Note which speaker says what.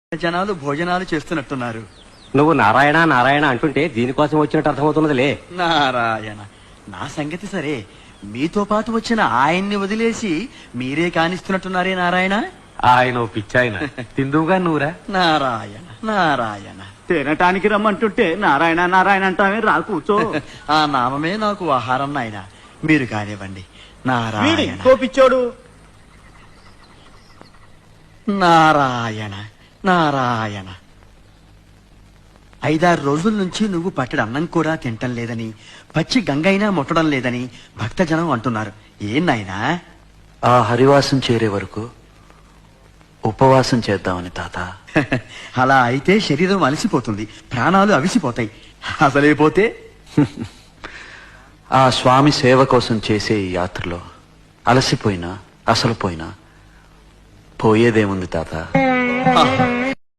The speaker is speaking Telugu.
Speaker 1: జనాలు భోజనాలు చేస్తున్నట్టున్నారు.
Speaker 2: నువ్వు నారాయణ నారాయణ అంటుంటే దీనికోసం వచ్చినట్టు అర్థమవుతున్నదిలే.
Speaker 1: నారాయణ, నా సంగతి సరే, మీతో పాటు వచ్చిన ఆయన్ని వదిలేసి మీరే కానిస్తున్నట్టున్నారే నారాయణ.
Speaker 2: ఆయన పిచ్చాయన తిందువుగా నువ్వురా.
Speaker 1: నారాయణ నారాయణ,
Speaker 3: తినటానికి రమ్మంటుంటే నారాయణ నారాయణ అంటావే, రా కూర్చో.
Speaker 1: ఆ నామమే నాకు ఆహారం నాయన. మీరు కానివ్వండి. నారాయణ
Speaker 3: కోపిచ్చోడు.
Speaker 1: నారాయణ నారాయణ, 5-6 రోజుల నుంచి నువ్వు పట్టడి అన్నం కూడా తింటం లేదని, పచ్చి గంగైనా ముట్టడం లేదని భక్తజనం అంటున్నారు. ఏం నాయనా?
Speaker 4: ఆ హరివాసం చేరే వరకు ఉపవాసం చేద్దామని తాత.
Speaker 1: అలా అయితే శరీరం అలసిపోతుంది, ప్రాణాలు అవిసిపోతాయి. అసలైపోతే
Speaker 4: ఆ స్వామి సేవ కోసం చేసే ఈ యాత్రలో అలసిపోయినా అసలు పోయినా పోయేదేముంది తాత.
Speaker 1: ఆహా,